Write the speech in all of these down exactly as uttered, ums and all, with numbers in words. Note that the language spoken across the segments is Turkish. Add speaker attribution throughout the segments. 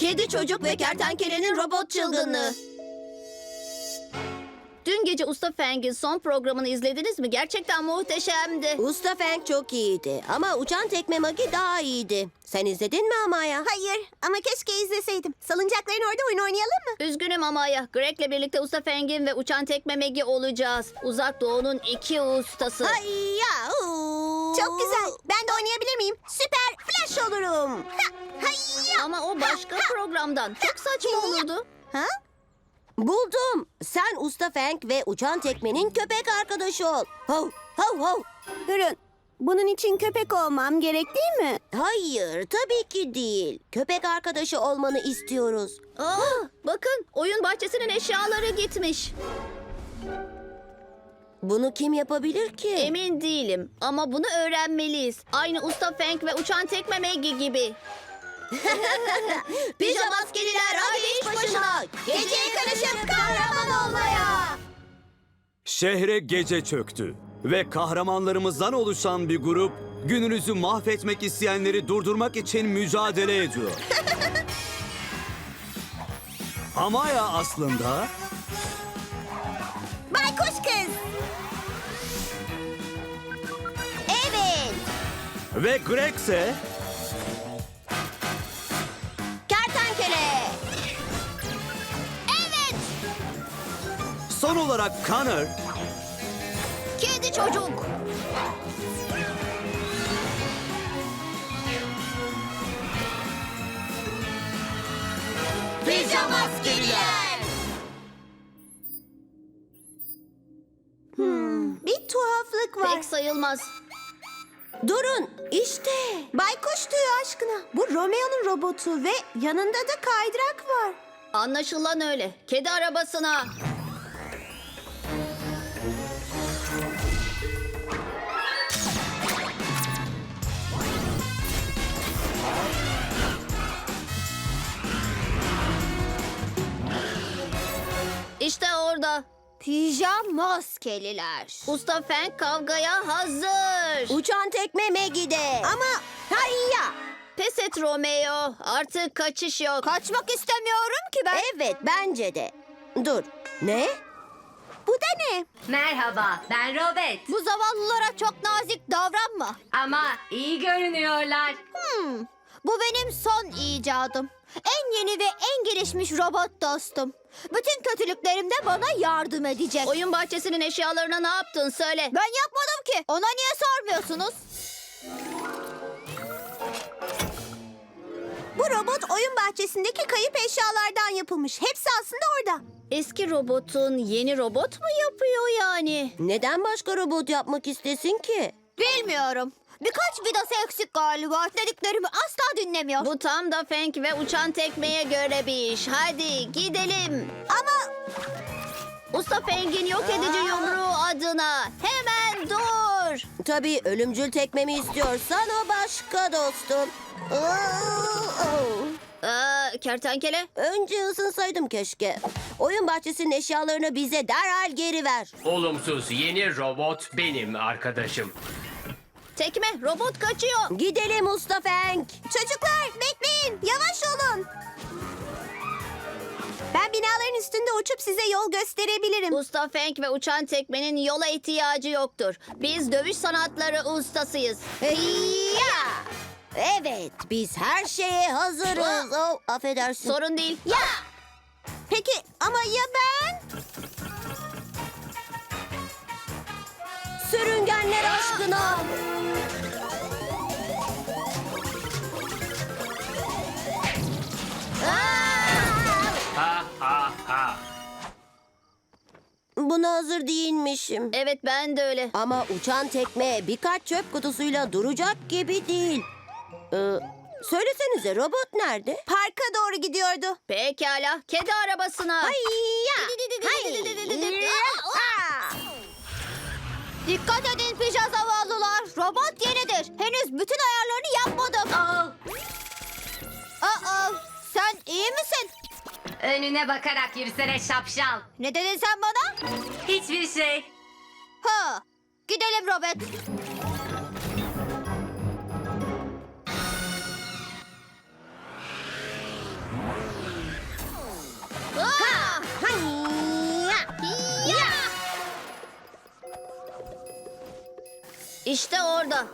Speaker 1: Kedi Çocuk ve Kertenkelenin Robot Çılgınlığı.
Speaker 2: Dün gece Usta Feng'in son programını izlediniz mi? Gerçekten muhteşemdi.
Speaker 1: Usta Feng çok iyiydi ama Uçan Tekme Magi daha iyiydi. Sen izledin mi Amaya?
Speaker 3: Hayır ama keşke izleseydim. Salıncakların orada oyun oynayalım mı?
Speaker 2: Üzgünüm Amaya. Greg'le birlikte Usta Feng'in ve Uçan Tekme Megi olacağız. Uzak Doğu'nun iki ustası.
Speaker 1: Ay ya. uu.
Speaker 3: Çok güzel. Ben de oynayabilir miyim? Süper Flash olurum. Ha, hayya.
Speaker 2: Ama o başka programdan. Çok saçma olurdu.
Speaker 3: Ha?
Speaker 1: Buldum. Sen Usta Feng ve Uçan Tekme'nin köpek arkadaşı ol. Hav hav hav.
Speaker 3: Durun. Bunun için köpek olmam gerek değil mi?
Speaker 1: Hayır, tabii ki değil. Köpek arkadaşı olmanı istiyoruz.
Speaker 2: Aa, bakın oyun bahçesinin eşyaları gitmiş.
Speaker 1: Bunu kim yapabilir ki?
Speaker 2: Emin değilim ama bunu öğrenmeliyiz. Aynı Usta Feng ve Uçan Tekme Megi gibi.
Speaker 1: Pijamaskeliler hadi iş başına. Geceye karışıp kahraman olmaya.
Speaker 4: Şehre gece çöktü ve kahramanlarımızdan oluşan bir grup gününüzü mahvetmek isteyenleri durdurmak için mücadele ediyor. Amaya aslında
Speaker 3: Baykuş kız. Evet.
Speaker 4: ve Greg ise
Speaker 1: Kertenkele.
Speaker 3: Evet.
Speaker 4: son olarak Connor
Speaker 2: Kedi Çocuk.
Speaker 1: Pijamaskeliler.
Speaker 3: Hmm, bir tuhaflık var.
Speaker 2: Pek sayılmaz.
Speaker 1: Durun, işte.
Speaker 3: Baykuş tüyü aşkına. Bu Romeo'nun robotu ve yanında da kaydırak var.
Speaker 2: Anlaşılan öyle. Kedi arabasına. İşte orada.
Speaker 3: Pijamaskeliler.
Speaker 2: Usta Feng kavgaya hazır.
Speaker 1: Uçan Tekme Magi'de.
Speaker 3: Ama
Speaker 1: Hayya.
Speaker 2: Pes et Romeo. Artık kaçış yok.
Speaker 3: kaçmak istemiyorum ki ben.
Speaker 1: Evet, bence de. Dur, ne?
Speaker 3: Bu da ne?
Speaker 5: Merhaba, ben Robert.
Speaker 3: Bu zavallılara çok nazik davranma.
Speaker 5: Ama iyi görünüyorlar.
Speaker 3: Hmm, bu benim son icadım. En yeni ve en gelişmiş robot dostum. Bütün kötülüklerimde bana yardım edecek.
Speaker 2: Oyun bahçesinin eşyalarına ne yaptın söyle.
Speaker 3: Ben yapmadım ki. Ona niye sormuyorsunuz? Bu robot oyun bahçesindeki kayıp eşyalardan yapılmış. Hepsi aslında orada.
Speaker 2: Eski robotun yeni robot mu yapıyor yani?
Speaker 1: Neden başka robot yapmak istesin ki?
Speaker 3: Bilmiyorum. Birkaç vidası eksik galiba. Dediklerimi asla dinlemiyor.
Speaker 2: Bu tam da Feng ve Uçan Tekme'ye göre bir iş. Hadi gidelim.
Speaker 3: Ama
Speaker 2: Usta Feng'in yok edici yumruğu adına. Hemen dur.
Speaker 1: Tabii ölümcül tekmemi istiyorsan o başka dostum.
Speaker 2: Aa, kertenkele.
Speaker 1: Önce ısınsaydım keşke. Oyun bahçesinin eşyalarını bize derhal geri ver.
Speaker 6: Olumsuz yeni robot benim arkadaşım.
Speaker 2: Tekme robot kaçıyor.
Speaker 1: Gidelim Usta Feng.
Speaker 3: çocuklar bekleyin. Yavaş olun. Ben binaların üstünde uçup size yol gösterebilirim.
Speaker 2: Usta Feng ve Uçan Tekme'nin yola ihtiyacı yoktur. Biz dövüş sanatları ustasıyız.
Speaker 1: Ya. Evet, biz her şeye hazırız. Oh, affedersin.
Speaker 2: Sorun değil.
Speaker 1: Ya.
Speaker 3: Peki ama ya ben?
Speaker 1: Sürüngenler aşkına.
Speaker 6: Ha ha ha.
Speaker 1: Buna hazır değilmişim.
Speaker 2: Evet ben de öyle.
Speaker 1: Ama uçan tekme birkaç çöp kutusuyla duracak gibi değil. Ee, söylesenize robot nerede?
Speaker 3: Parka doğru gidiyordu.
Speaker 2: Pekala. Kedi arabasına.
Speaker 1: Hayya.
Speaker 3: Dikkat edin pija zavallılar. Robot yenidir. Henüz bütün ayarlarını yapmadım.
Speaker 5: Aa,
Speaker 3: Aa, sen iyi misin?
Speaker 5: önüne bakarak yürüsene şapşal.
Speaker 3: Ne dedin sen bana?
Speaker 5: Hiçbir şey.
Speaker 3: Ha, gidelim Robert.
Speaker 2: İşte orada.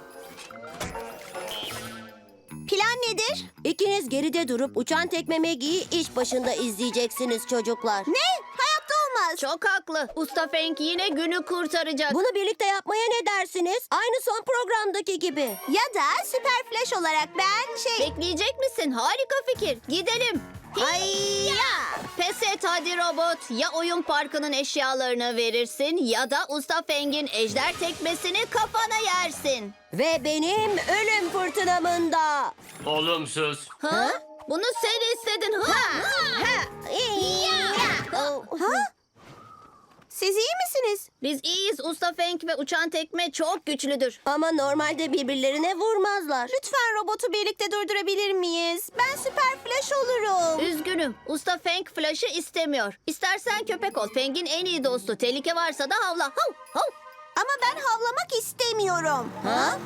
Speaker 3: Plan nedir?
Speaker 1: İkiniz geride durup uçan tekme Maggie'yi iş başında izleyeceksiniz çocuklar.
Speaker 3: Ne? Hayatta olmaz.
Speaker 2: Çok haklı. Usta Feng yine günü kurtaracak.
Speaker 1: Bunu birlikte yapmaya ne dersiniz? Aynı son programdaki gibi.
Speaker 3: Ya da Süper Flash olarak ben şey...
Speaker 2: Bekleyecek misin? Harika fikir. Gidelim.
Speaker 3: Hayya!
Speaker 2: Pes et hadi robot. Ya oyun parkının eşyalarını verirsin ya da Usta Feng'in ejder tekmesini kafana yersin.
Speaker 1: Ve benim ölüm fırtınamında.
Speaker 6: Olumsuz.
Speaker 2: Ha? Bunu sen istedin. Ha?
Speaker 3: Ha? Siz iyi misiniz?
Speaker 2: Biz iyiyiz. Usta Feng ve uçan tekme çok güçlüdür.
Speaker 1: Ama normalde birbirlerine vurmazlar.
Speaker 3: Lütfen robotu birlikte durdurabilir miyiz? Ben Süper Flash olurum.
Speaker 2: Üzgünüm. Usta Feng Flash'ı istemiyor. İstersen köpek ol. Feng'in en iyi dostu. Tehlike varsa da havla. Hav, hav.
Speaker 3: Ama ben havlamak istemiyorum.
Speaker 1: Ha?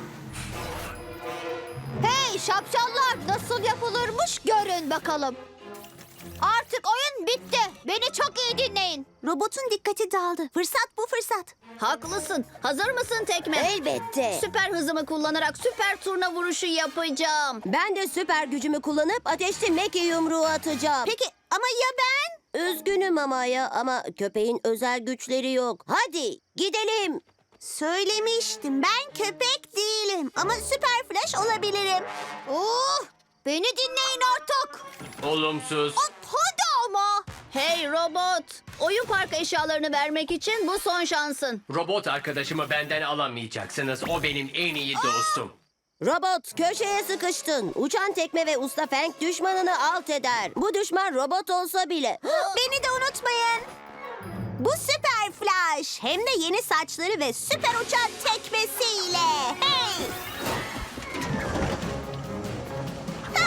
Speaker 3: Hey şapşallar, nasıl yapılırmış görün bakalım. Artık oyun bitti. Beni çok iyi dinleyin. Robotun dikkati dağıldı. Fırsat bu fırsat.
Speaker 2: Haklısın. Hazır mısın tekme?
Speaker 1: Elbette.
Speaker 2: Süper hızımı kullanarak süper turna vuruşu yapacağım.
Speaker 1: Ben de süper gücümü kullanıp ateşli Maggie yumruğu atacağım.
Speaker 3: Peki ama ya ben?
Speaker 1: Üzgünüm Amaya ama köpeğin özel güçleri yok. Hadi gidelim.
Speaker 3: Söylemiştim, ben köpek değilim ama Süper Flash olabilirim. Oh, beni dinleyin artık.
Speaker 6: Olumsuz.
Speaker 3: Hop, hadi ama.
Speaker 2: Hey robot. Oyun park eşyalarını vermek için bu son şansın.
Speaker 6: Robot arkadaşımı benden alamayacaksınız. O benim en iyi dostum.
Speaker 1: Robot köşeye sıkıştın. Uçan tekme ve Usta Feng düşmanını alt eder. Bu düşman robot olsa bile.
Speaker 3: Beni de unutmayın. Bu Süper Flash. Hem de yeni saçları ve süper uçan tekmesiyle. Hey! Ha!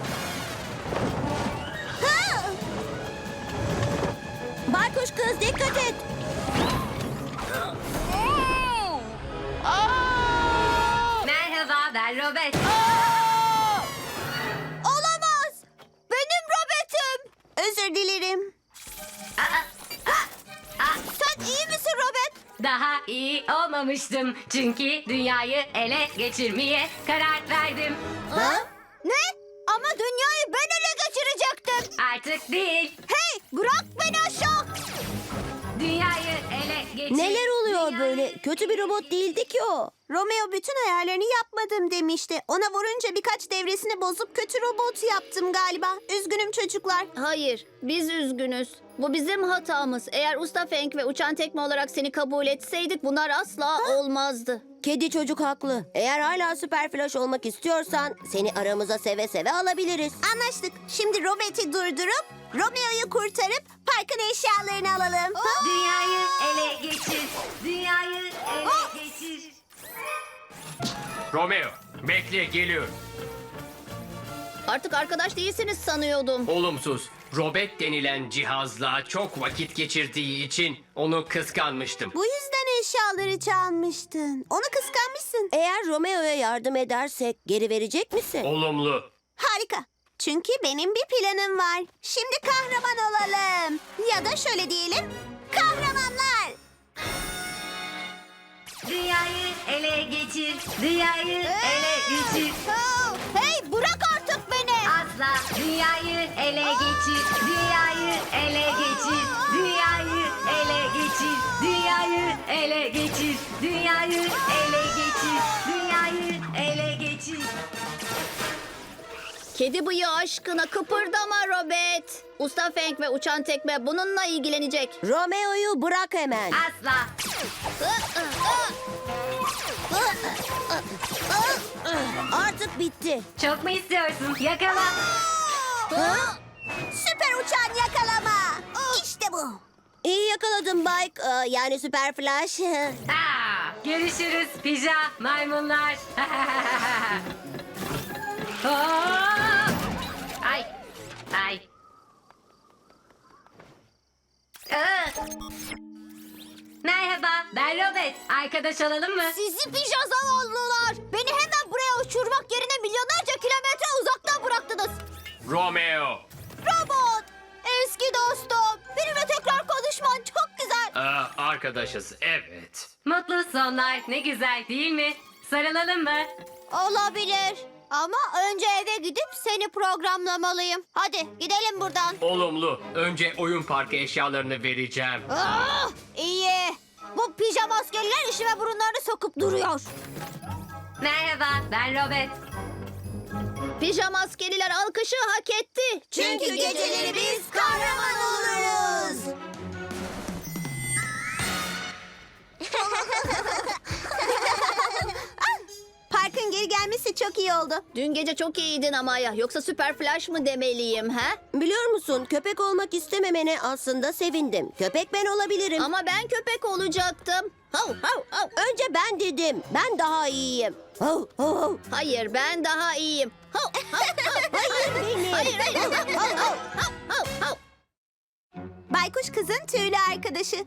Speaker 3: Ha!
Speaker 1: Baykuş kız dikkat et.
Speaker 5: Merhaba ben Robert.
Speaker 3: Olamaz. Benim Robot'um. Özür dilerim. Sen iyi misin Robot?
Speaker 5: Daha iyi olmamıştım. Çünkü dünyayı ele geçirmeye karar verdim.
Speaker 3: Ha? Ne? Ama dünyayı ben ele geçirecektim.
Speaker 5: Artık değil.
Speaker 3: Hey, bırak beni aşağı.
Speaker 5: Dünyayı ele geçir.
Speaker 1: Neler oluyor
Speaker 5: Dünyayı
Speaker 1: böyle? Kötü bir robot değildi ki o.
Speaker 3: Romeo bütün ayarlarını yapmadım demişti. Ona vurunca birkaç devresini bozup kötü robot yaptım galiba. Üzgünüm çocuklar.
Speaker 2: Hayır, biz üzgünüz. Bu bizim hatamız. Eğer Usta Feng ve uçan tekme olarak seni kabul etseydik bunlar asla olmazdı.
Speaker 1: Kedi çocuk haklı. Eğer hala süper flash olmak istiyorsan seni aramıza seve seve alabiliriz.
Speaker 3: Anlaştık. Şimdi Robot'u durdurup Romeo'yu kurtarıp parkın eşyalarını alalım.
Speaker 5: Dünyayı ele geçir. Dünyayı ele geçir.
Speaker 6: Romeo, bekle geliyorum.
Speaker 2: Artık arkadaş değilsiniz sanıyordum.
Speaker 6: Olumsuz. Robot denilen cihazla çok vakit geçirdiği için onu kıskanmıştım.
Speaker 3: Bu yüzden eşyaları çalmıştın. Onu kıskanmışsın.
Speaker 1: Eğer Romeo'ya yardım edersek geri verecek misin?
Speaker 6: Olumlu.
Speaker 3: Harika. Çünkü benim bir planım var. Şimdi kahraman olalım. Ya da şöyle diyelim. Kahramanlar.
Speaker 5: Dünyayı ele geçir. Dünyayı ele geçir.
Speaker 3: Oh, hey bırak artık beni.
Speaker 5: Asla dünyayı ele geçir. Dünyayı ele geçir. Dünyayı ele geçir. Dünyayı ele geçir. Dünyayı ele geçir. Dünyayı ele geçir.
Speaker 2: Kedi bıyığı aşkına kıpırdama Robert. Usta Feng ve uçan tekme bununla ilgilenecek.
Speaker 1: Romeo'yu bırak hemen.
Speaker 5: Asla.
Speaker 1: Artık bitti.
Speaker 5: Çok mu istiyorsun? Yakala.
Speaker 3: Süper uçan yakalama. İşte bu.
Speaker 1: İyi yakaladın Mike. Ee, yani süper flash.
Speaker 5: Aa, görüşürüz pija maymunlar. Aa! Ay. Ay. Aa! Merhaba, ben Robert. Arkadaş olalım mı?
Speaker 3: Sizi pija zavallılar. Beni hemen buraya uçurmak yerine milyonlarca kilometre uzaktan bıraktınız.
Speaker 6: Romeo.
Speaker 3: Robot. Eski dostum. Benimle tekrar konuşman çok güzel.
Speaker 6: Aa, arkadaşız, evet.
Speaker 5: Mutlu sonlar. Ne güzel değil mi? Sarılalım mı?
Speaker 3: Olabilir. Ama önce eve gidip seni programlamalıyım. Hadi gidelim buradan.
Speaker 6: Olumlu. Önce oyun parkı eşyalarını vereceğim.
Speaker 3: Ah, iyi. Bu pijama askerler işime burunlarını sokup duruyor.
Speaker 5: Merhaba, ben Robert.
Speaker 2: Pijama askeriler alkışı hak etti.
Speaker 1: Çünkü geceleri biz kahraman oluruz.
Speaker 3: Parkın geri gelmesi çok iyi oldu.
Speaker 2: Dün gece çok iyiydin Amaya. Yoksa süper flash mı demeliyim ha?
Speaker 1: Biliyor musun, köpek olmak istememene aslında sevindim. Köpek ben olabilirim.
Speaker 2: Ama ben köpek olacaktım. Hav hav hav.
Speaker 1: Önce ben dedim. Ben daha iyiyim. Hav, hav, hav.
Speaker 2: Hayır ben daha iyiyim. Hav hav hav.
Speaker 1: Hayır benim.
Speaker 2: Hayır hayır. Hav hav hav hav hav.
Speaker 3: Baykuş kızın tüylü arkadaşı.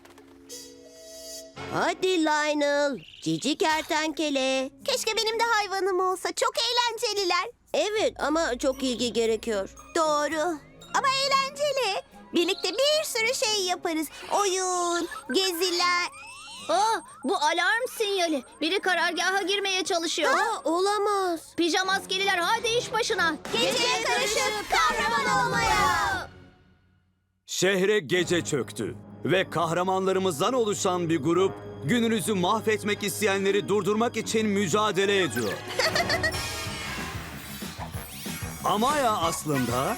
Speaker 1: Hadi Lionel. Cici kertenkele.
Speaker 3: Keşke benim de hayvanım olsa. Çok eğlenceliler.
Speaker 1: Evet ama çok ilgi gerekiyor.
Speaker 3: Doğru. Ama eğlenceli. Birlikte bir sürü şey yaparız. Oyun, geziler.
Speaker 2: Aa, bu alarm sinyali. Biri karargaha girmeye çalışıyor.
Speaker 1: Aa, olamaz.
Speaker 2: Pijama askeriler hadi iş başına.
Speaker 3: Geceye karışıp kahraman olmaya.
Speaker 4: Şehre gece çöktü ve kahramanlarımızdan oluşan bir grup gününüzü mahvetmek isteyenleri durdurmak için mücadele ediyor. Amaya aslında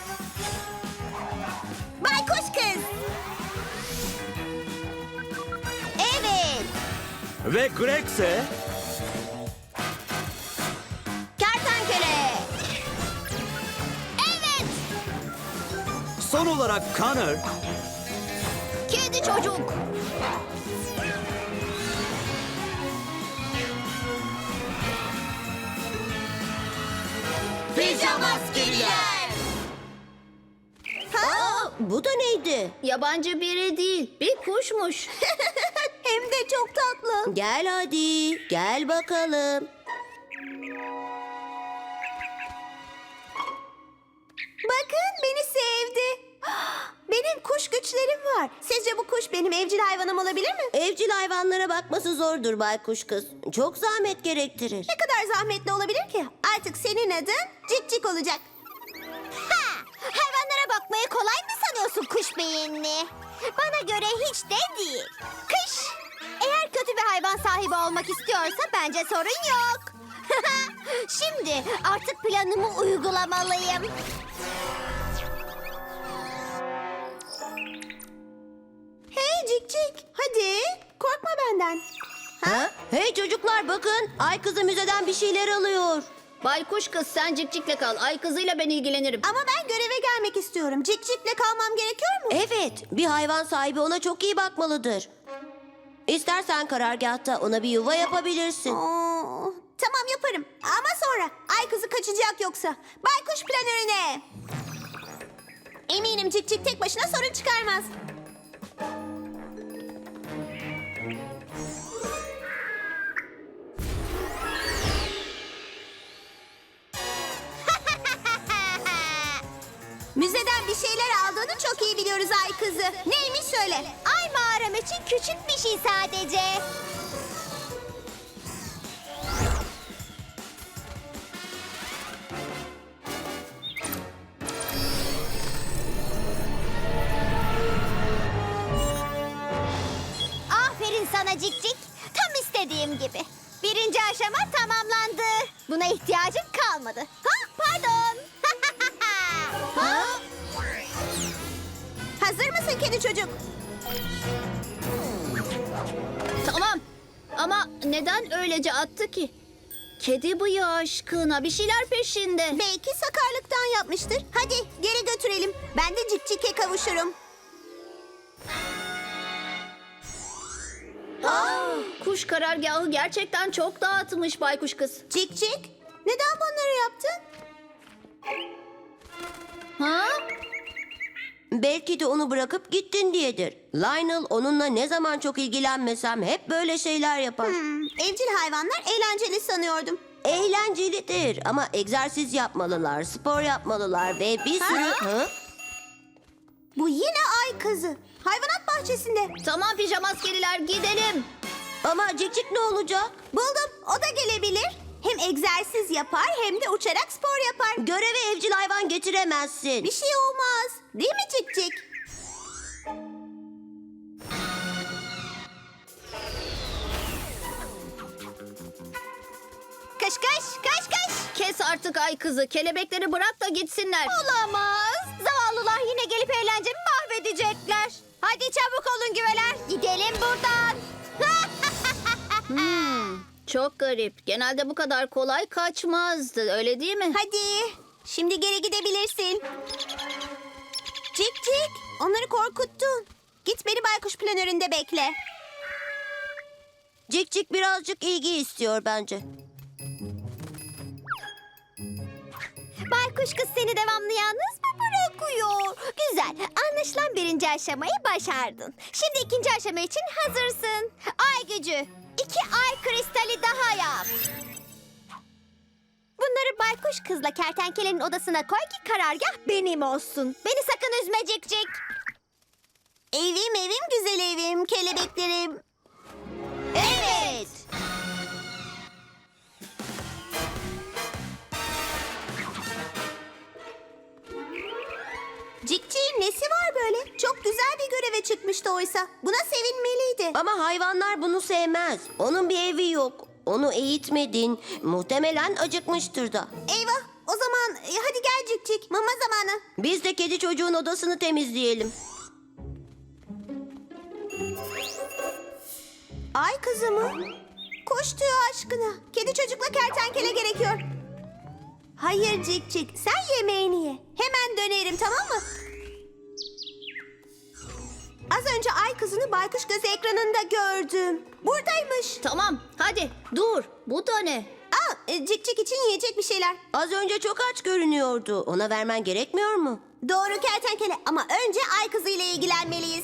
Speaker 3: Baykuş kız. Evet.
Speaker 4: ve Greg ise
Speaker 1: Kertenkele.
Speaker 3: Evet.
Speaker 4: son olarak Connor
Speaker 3: Kedi çocuk.
Speaker 1: Pijama askeriler. Aa, bu da neydi?
Speaker 2: Yabancı biri değil. Bir kuşmuş.
Speaker 3: Hem de çok tatlı.
Speaker 1: Gel hadi. Gel bakalım.
Speaker 3: Bakın beni sevdi. Benim kuş güçlerim var. Sizce bu kuş benim evcil hayvanım olabilir mi?
Speaker 1: Evcil hayvanlara bakması zordur baykuş kız. Çok zahmet gerektirir.
Speaker 3: Ne kadar zahmetli olabilir ki? Artık senin adın Cik Cik olacak. Ha! Hayvanlara bakmayı kolay mı sanıyorsun kuş beyinli? Bana göre hiç de değil. Kış! Eğer kötü bir hayvan sahibi olmak istiyorsa bence sorun yok. Şimdi artık planımı uygulamalıyım. Hey Cik Cik, hadi korkma benden.
Speaker 1: Ha? Hey çocuklar bakın. Ay kızı müzeden bir şeyler alıyor.
Speaker 2: Baykuş kız sen cikcikle kal. Ay kızıyla ben ilgilenirim.
Speaker 3: Ama ben göreve gelmek istiyorum. Cik Cik'le kalmam gerekiyor mu?
Speaker 1: Evet, bir hayvan sahibi ona çok iyi bakmalıdır. İstersen karargahta ona bir yuva yapabilirsin.
Speaker 3: Oo, tamam yaparım. Ama sonra. Ay kızı kaçacak yoksa. Baykuş planörüne. Eminim Cik Cik tek başına sorun çıkarmaz. Müzeden bir şeyler aldığını çok iyi biliyoruz Ay kızı. Neymiş söyle. Ay mağaram için küçük bir şey sadece. Aferin sana Cik Cik. Tam istediğim gibi. Birinci aşama tamamlandı. Buna ihtiyacım kalmadı. Ha, pardon. Ha? Hazır mısın kedi çocuk?
Speaker 2: Tamam. Ama neden öylece attı ki? Kedi bıyığı aşkına bir şeyler peşinde.
Speaker 3: Belki sakarlıktan yapmıştır. Hadi geri götürelim. Ben de Cik Cik'e kavuşurum.
Speaker 2: Kuş karargahı gerçekten çok dağıtmış baykuş kız.
Speaker 3: Cik Cik, neden bunları yaptın?
Speaker 2: Ha?
Speaker 1: Belki de onu bırakıp gittin diyedir. Lionel onunla ne zaman çok ilgilenmesem hep böyle şeyler yapar.
Speaker 3: Hmm, evcil hayvanlar eğlenceli sanıyordum.
Speaker 1: Eğlencelidir ama egzersiz yapmalılar, spor yapmalılar ve bir sürü... Ha?
Speaker 3: Bu yine ay kızı. Hayvanat bahçesinde.
Speaker 2: Tamam pijama askeriler gidelim.
Speaker 1: Ama Cikcik ne olacak?
Speaker 3: Buldum, o da gelebilir. Hem egzersiz yapar hem de uçarak spor yapar.
Speaker 1: Göreve evcil hayvan getiremezsin.
Speaker 3: Bir şey olmaz. Değil mi Cikcik? Kış kış, kış kış.
Speaker 2: Kes artık ay kızı. Kelebekleri bırak da gitsinler.
Speaker 3: Olamaz. Zavallılar yine gelip eğlencemi mahvedecekler. Hadi çabuk olun güveler. Gidelim buradan.
Speaker 2: Çok garip. Genelde bu kadar kolay kaçmazdı. Öyle değil mi?
Speaker 3: Hadi. Şimdi geri gidebilirsin. Cik cik. Onları korkuttun. Git beni baykuş planöründe bekle.
Speaker 1: Cikcik birazcık ilgi istiyor bence.
Speaker 3: Baykuş kız seni devamlı yalnız mı bırakıyor? Güzel. Anlaşılan birinci aşamayı başardın. Şimdi ikinci aşama için hazırsın. Ay gücü. İki ay kristali daha yap. Bunları baykuş kızla kertenkelenin odasına koy ki karargah benim olsun. Beni sakın üzme Cikcik. Evim evim güzel evim kelebeklerim. Evet. Cikcik'in nesi var böyle? Çok güzel bir göreve çıkmıştı oysa. Buna sevinmeliydi.
Speaker 1: Ama hayvanlar bunu sevmez. Onun bir evi yok. Onu eğitmedin. Muhtemelen acıkmıştır da.
Speaker 3: Eyvah. O zaman e, hadi gel Cikcik. Mama zamanı.
Speaker 1: Biz de kedi çocuğun odasını temizleyelim.
Speaker 3: Ay kızı mı? Koş tüyü aşkına. Kedi çocukla kertenkele gerekiyor. Hayır Cikcik. Sen yemeğini ye. Hemen dönerim tamam mı? Az önce ay kızını baykuş gözü ekranında gördüm. Buradaymış.
Speaker 2: Tamam. Hadi dur. Bu da ne?
Speaker 3: Aa, e, Cikcik için yiyecek bir şeyler.
Speaker 1: Az önce çok aç görünüyordu. Ona vermen gerekmiyor mu?
Speaker 3: Doğru kertenkele ama önce ay kızı ile ilgilenmeliyiz.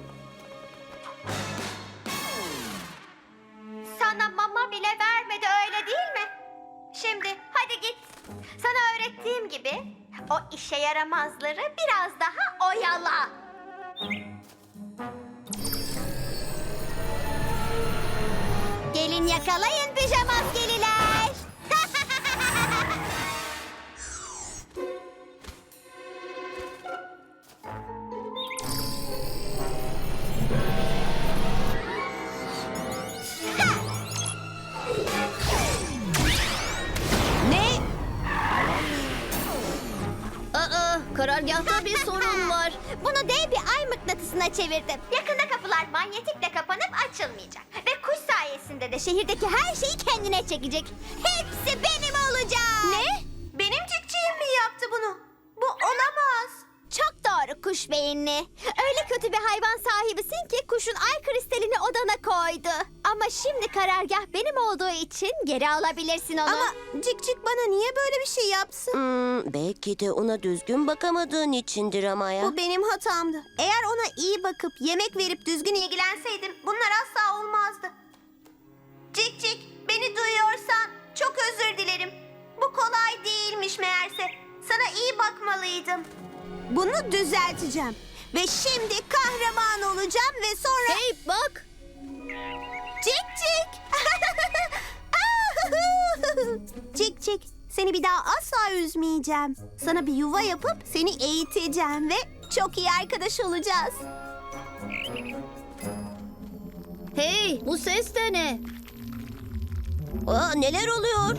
Speaker 3: Sana mama bile vermedi öyle değil mi? Şimdi hadi git. Sana öğrettiğim gibi o işe yaramazları biraz daha oyala. Gelin yakalayın pijamaskeliler.
Speaker 1: Ne?
Speaker 2: Aa, karargahta bir sorun var.
Speaker 3: Bunu dev bir ay mıknatısına çevirdim. Yakında kapılar manyetikle kapanıp açılmayacak. Ve kuş sayesinde de şehirdeki her şeyi kendine çekecek. Hepsi benim olacak. Ne? Benim cikciğim mi yaptı bunu? Bu olamaz. Çok doğru kuş beyinli. Öyle kötü bir hayvan sahibisin ki kuşun ay kristalini odana koydu. Ama şimdi karargah benim olduğu için geri alabilirsin onu. Ama Cikcik bana niye böyle bir şey yapsın?
Speaker 1: Hmm, belki de ona düzgün bakamadığın içindir ama ya.
Speaker 3: Bu benim hatamdı. Eğer ona iyi bakıp yemek verip düzgün ilgilenseydim bunlar asla olmazdı. Cik cik beni duyuyorsan çok özür dilerim. Bu kolay değilmiş meğerse. Sana iyi bakmalıydım. Bunu düzelteceğim. Ve şimdi kahraman olacağım ve sonra...
Speaker 2: Hey bak.
Speaker 3: Cik cik. Cik cik. Seni bir daha asla üzmeyeceğim. Sana bir yuva yapıp seni eğiteceğim ve çok iyi arkadaş olacağız.
Speaker 2: Hey, bu ses de ne?
Speaker 1: Aa, neler oluyor?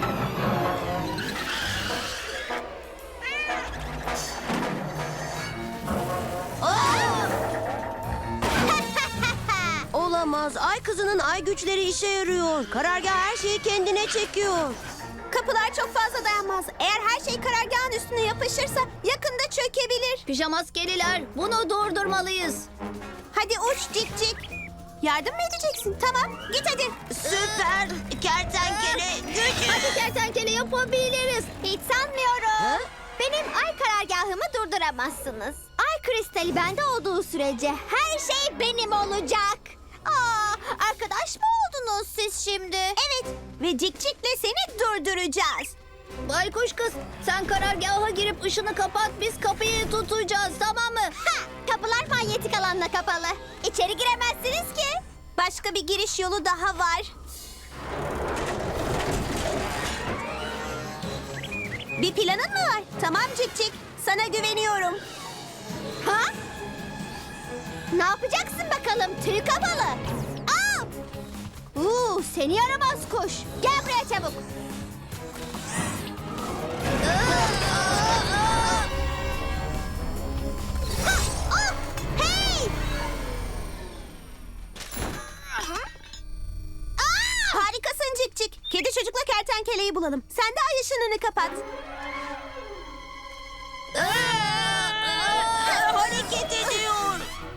Speaker 1: Olamaz. Ay kızının ay güçleri işe yarıyor. Karargah her şeyi kendine çekiyor.
Speaker 3: Kapılar çok fazla dayanmaz. Eğer her şey karargahın üstüne yapışırsa yakında çökebilir.
Speaker 2: Pijamaskeliler, bunu durdurmalıyız.
Speaker 3: Hadi uç cik cik. Yardım mı edeceksin? Tamam git hadi.
Speaker 1: Süper kertenkele gücü.
Speaker 2: Hadi kertenkele yapabiliriz.
Speaker 3: Hiç sanmıyorum.
Speaker 1: Ha?
Speaker 3: Benim ay karargahımı durduramazsınız. Ay kristali bende olduğu sürece her şey benim olacak. Aa, arkadaş mı oldunuz siz şimdi? Evet ve Cikcik'le seni durduracağız.
Speaker 2: Baykuş kız, sen karargaha girip ışını kapat, biz kapıyı tutacağız, tamam mı?
Speaker 3: Ha, kapılar manyetik alanla kapalı. İçeri giremezsiniz ki. Başka bir giriş yolu daha var. Bir planın mı var? Tamam Cik Cik, sana güveniyorum. Ha? Ne yapacaksın bakalım tüy kafalı? Aa! Uuu, seni yaramaz kuş. Gel buraya çabuk. Ha, oh, hey! Aa! Harikasın Cik Cik. Kedi çocukla kertenkeleyi bulalım. Sen de ay ışınını kapat.
Speaker 1: Hareket ediyor.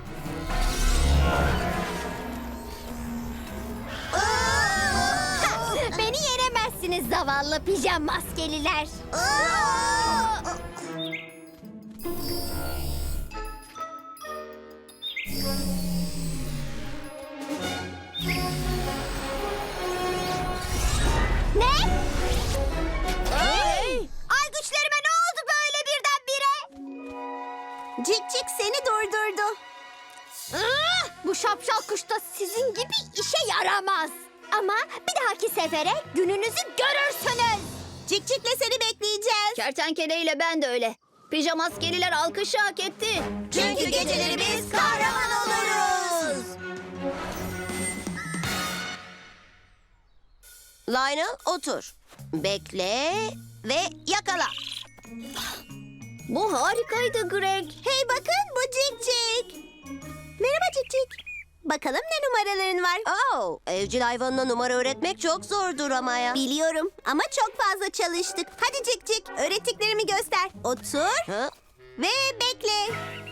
Speaker 3: Ha, beni yenemezsiniz zavallı pijama maskeliler. Ne? Hey! Ay güçlerime ne oldu böyle birdenbire? Cik Cik seni durdurdu. Ah! Bu şapşal kuş da sizin gibi işe yaramaz. Ama bir dahaki sefere gününüzü görürsünüz. Cik Cik'le seni bekleyeceğiz.
Speaker 2: Kertenkele ile ben de öyle. Pijamaskeliler alkışı hak etti.
Speaker 3: Çünkü geceleri biz kahraman oluruz.
Speaker 1: Lionel otur. Bekle ve yakala.
Speaker 2: Bu harikaydı Greg.
Speaker 3: Hey bakın bu Cik Cik. Merhaba Cik Cik. Bakalım ne numaraların var?
Speaker 1: Oh, evcil hayvanına numara öğretmek çok zordur ama ya.
Speaker 3: Biliyorum ama çok fazla çalıştık. Hadi Cik Cik öğrettiklerimi göster. Otur
Speaker 1: Ha?
Speaker 3: ve bekle.